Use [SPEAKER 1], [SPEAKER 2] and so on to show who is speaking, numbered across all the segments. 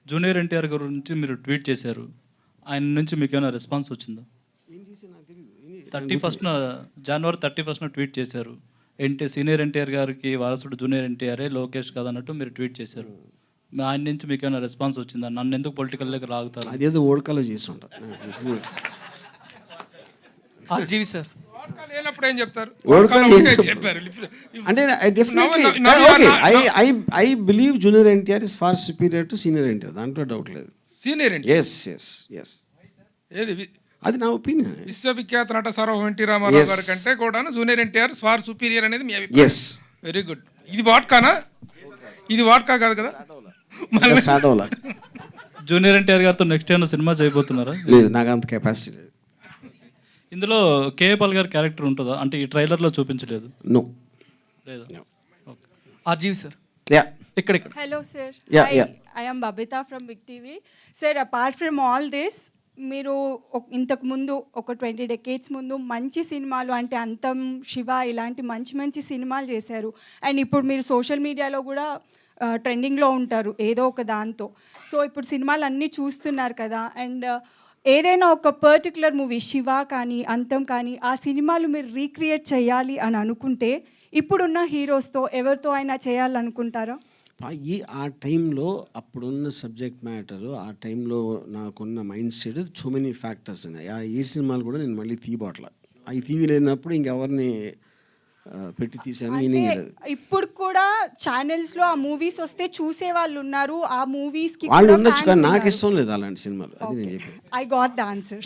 [SPEAKER 1] Junior NTR గురించి మీరు tweet చేశారు. ఆయన నుంచి మీకేమైనా రెస్పాన్స్ వచ్చిందా? 31న జనవరి 31న ట్వీట్ చేశారు. సీనియర్ ఎన్టీఆర్ గారికి వారసుడు జూనియర్ ఎన్టీఆరే, లోకేష్ కాదన్నట్టు మీరు ట్వీట్ చేశారు. ఆయన నుంచి మీకేమైనా రెస్పాన్స్ వచ్చిందా? నన్ను ఎందుకు పొలిటికల్లోకి లాగుతారు?
[SPEAKER 2] అదేదో ఓడకాలో చేసి ఉంటారు.
[SPEAKER 3] జీవి సార్
[SPEAKER 4] లేనప్పుడు ఏం చెప్తారు? చెప్పారు
[SPEAKER 2] అంటే I believe junior NTR is far superior to senior NTR, దాంట్లో డౌట్ లేదు.
[SPEAKER 4] సీనియర్
[SPEAKER 2] ఎస్ ఎస్ ఎస్
[SPEAKER 4] ఏది
[SPEAKER 2] అది నా ఒపీనియన్.
[SPEAKER 4] విశ్వవిఖ్యాత నట సార్వభౌమ ఎన్టీ రామారావు గారి కంటే కూడా జూనియర్ ఎన్టీఆర్ ఫార్ సుపీరియర్ అనేది మీ అభిప్రాయం?
[SPEAKER 2] ఎస్.
[SPEAKER 4] Very good. ఇది వాట్కానా? ఇది వాట్కా కాదు కదా.
[SPEAKER 2] స్టార్ట్ అవ్వాలి.
[SPEAKER 1] జూనియర్ ఎన్టీఆర్ గారితో నెక్స్ట్ ఏమైనా సినిమా చేయబోతున్నారా?
[SPEAKER 2] లేదు, నాకు అంత కెపాసిటీ లేదు.
[SPEAKER 1] ఇందులో కేఏపాల్ గారి క్యారెక్టర్ ఉంటుందా? అంటే ఈ ట్రైలర్లో చూపించలేదు.
[SPEAKER 2] నో
[SPEAKER 1] లేదా?
[SPEAKER 3] GV sir
[SPEAKER 2] yeah.
[SPEAKER 3] ఇక్కడ
[SPEAKER 5] Hello, sir.
[SPEAKER 2] Yeah, yeah.
[SPEAKER 5] I am Babita from Big TV. Sir, apart from all this, మీరు ఇంతకు ముందు ఒక 20 decades ముందు మంచి సినిమాలు అంటే అంతం, శివ ఇలాంటి మంచి మంచి సినిమాలు చేశారు. అండ్ ఇప్పుడు మీరు సోషల్ మీడియాలో కూడా ట్రెండింగ్లో ఉంటారు ఏదో ఒక దాంతో. సో ఇప్పుడు సినిమాలు అన్నీ చూస్తున్నారు కదా. అండ్ ఏదైనా ఒక పర్టికులర్ మూవీ, శివ కానీ అంతం కానీ, ఆ సినిమాలు మీరు రీక్రియేట్ చేయాలి అని అనుకుంటే ఇప్పుడున్న హీరోస్తో ఎవరితో అయినా చేయాలనుకుంటారా?
[SPEAKER 2] ఆ టైంలో అప్పుడున్న సబ్జెక్ట్ మ్యాటరు, ఆ టైంలో నాకున్న mindset so many factors ఉన్నాయి. ఏ సినిమాలు కూడా నేను మళ్ళీ తీయబోట్ల. అవి తీయలేనప్పుడు ఇంకెవరిని పెట్టి తీసాను మీనింగ్ లేదు.
[SPEAKER 5] ఇప్పుడు కూడా ఛానల్స్లో ఆ మూవీస్ వస్తే చూసే వాళ్ళు ఉన్నారు. ఆ మూవీస్కి
[SPEAKER 2] వాళ్ళు ఉండొచ్చు కానీ నాకు ఇష్టం లేదు అలాంటి సినిమాలు. అది నేను చెప్పాను.
[SPEAKER 5] I got the answer.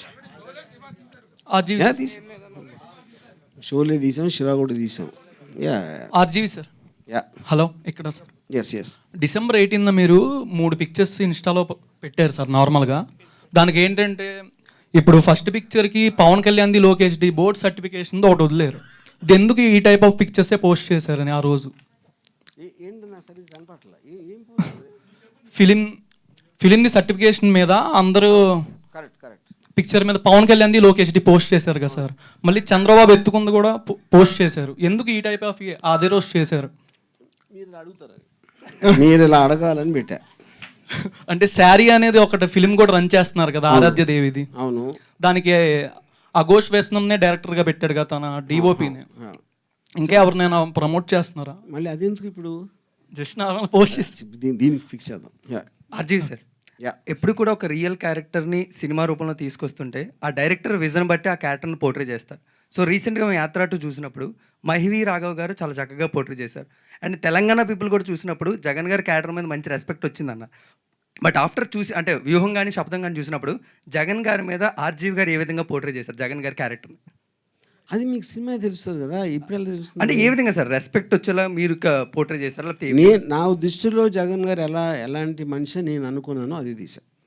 [SPEAKER 2] Sholay తీసాం, శివ కూడా తీసాం. Yeah
[SPEAKER 3] GV sir.
[SPEAKER 2] Yeah.
[SPEAKER 3] Hello ఇక్కడ సార్.
[SPEAKER 2] Yes yes.
[SPEAKER 3] December 18న మీరు 3 పిక్చర్స్ ఇన్స్టాలో పెట్టారు సార్ నార్మల్గా. దానికి ఏంటంటే ఇప్పుడు ఫస్ట్ పిక్చర్కి పవన్ కళ్యాణ్ది, లోకేష్ది బోర్డ్ సర్టిఫికేషన్తో ఒకటి వదిలేరు. ఇది ఎందుకు ఈ టైప్ ఆఫ్ పిక్చర్సే పోస్ట్ చేశారని ఆ రోజు? ఫిలింది సర్టిఫికేషన్ మీద అందరూ పిక్చర్ మీద పవన్ కళ్యాణ్ది, లోకేష్ది పోస్ట్ చేశారు కదా సార్. మళ్ళీ చంద్రబాబు ఎత్తుకుంది కూడా పోస్ట్ చేశారు. ఎందుకు ఈ టైప్ ఆఫ్ అదే రోజు చేశారు?
[SPEAKER 2] మీరు ఇలా అడగాలని పెట్టా.
[SPEAKER 3] అంటే శారీ అనేది ఒకటి ఫిలిం కూడా రన్ చేస్తున్నారు కదా, ఆరాధ్య దేవిది.
[SPEAKER 2] అవును.
[SPEAKER 3] దానికి అఘోష్ వేసనంనే డైరెక్టర్గా పెట్టాడు కదా తన డిఓపిని. ఇంకా ఎవరినైనా ప్రమోట్ చేస్తున్నారా?
[SPEAKER 2] మళ్ళీ అదెందుకు ఇప్పుడు?
[SPEAKER 3] జస్ట్ నార్మల్ పోస్ట్ చేసి
[SPEAKER 2] దీనికి ఫిక్స్ చేద్దాం.
[SPEAKER 6] అర్జీవ్ సార్, ఎప్పుడు కూడా ఒక రియల్ క్యారెక్టర్ని సినిమా రూపంలో తీసుకొస్తుంటే ఆ డైరెక్టర్ విజన్ బట్టి ఆ క్యారెక్టర్ని పోర్ట్రే చేస్తారు. సో రీసెంట్గా మేము యాత్ర 2 చూసినప్పుడు మహివి రాఘవ్ గారు చాలా చక్కగా పోర్ట్రే చేశారు. అండ్ తెలంగాణ పీపుల్ కూడా చూసినప్పుడు జగన్ గారి క్యారెక్టర్ మీద మంచి రెస్పెక్ట్ వచ్చిందన్న. బట్ ఆఫ్టర్ చూసి అంటే వ్యూహం కానీ శబ్దం కానీ చూసినప్పుడు జగన్ గారి మీద ఆర్జీవి గారు ఏ విధంగా పోర్ట్రే చేశారు జగన్ గారి క్యారెక్టర్ని?
[SPEAKER 2] అది మీకు సినిమా తెలుస్తుంది కదా, ఇప్పుడు ఎలా తెలుస్తుంది?
[SPEAKER 6] అంటే ఏ విధంగా సార్ రెస్పెక్ట్ వచ్చేలా మీరు పోర్ట్రే చేశారు?
[SPEAKER 2] నా దృష్టిలో జగన్ గారు ఎలాంటి మనిషి నేను అనుకున్నానో అది తీసా.